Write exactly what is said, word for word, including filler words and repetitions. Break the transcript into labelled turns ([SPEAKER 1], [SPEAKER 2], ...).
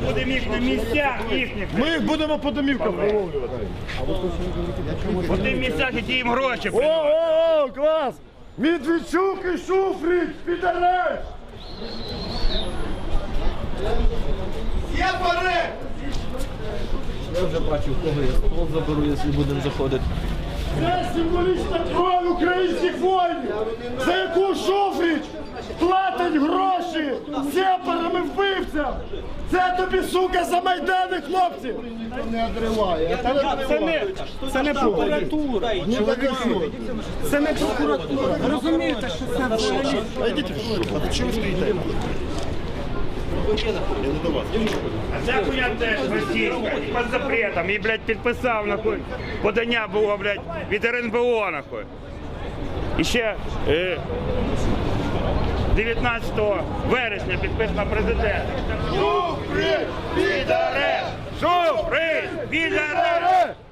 [SPEAKER 1] будемо їх на місцях їхніх.
[SPEAKER 2] Ми їх будемо по домівкам виловлювати.
[SPEAKER 1] По тим місцях, які їм гроші
[SPEAKER 2] О,
[SPEAKER 1] приносять.
[SPEAKER 2] о, о, клас! Медведчук і Шуфрич, підареш!
[SPEAKER 3] Є пари!
[SPEAKER 4] Я вже бачу, в кого я стол заберу, якщо будемо заходити.
[SPEAKER 2] Це символічна кров українських воїнів, за яку Шуфрич платить гроші сепарам і вбивцям. Це тобі, сука, за Майдани, хлопці!
[SPEAKER 3] Не отриває.
[SPEAKER 5] Це не, це не прокуратура. Це не прокуратура. Ви розумієте, що це взагалі?
[SPEAKER 2] А йдіть в жопу, а чого ви стоїте? Я не до вас.
[SPEAKER 1] А ця хуйня теж російська, під запретом. І, блядь, підписав, нахуй, подання було, блядь, від РНБО, нахуй. І ще е, дев'ятнадцятого вересня підписано президент.
[SPEAKER 2] Шуфрич, підареш!
[SPEAKER 1] Шуфрич, підаре!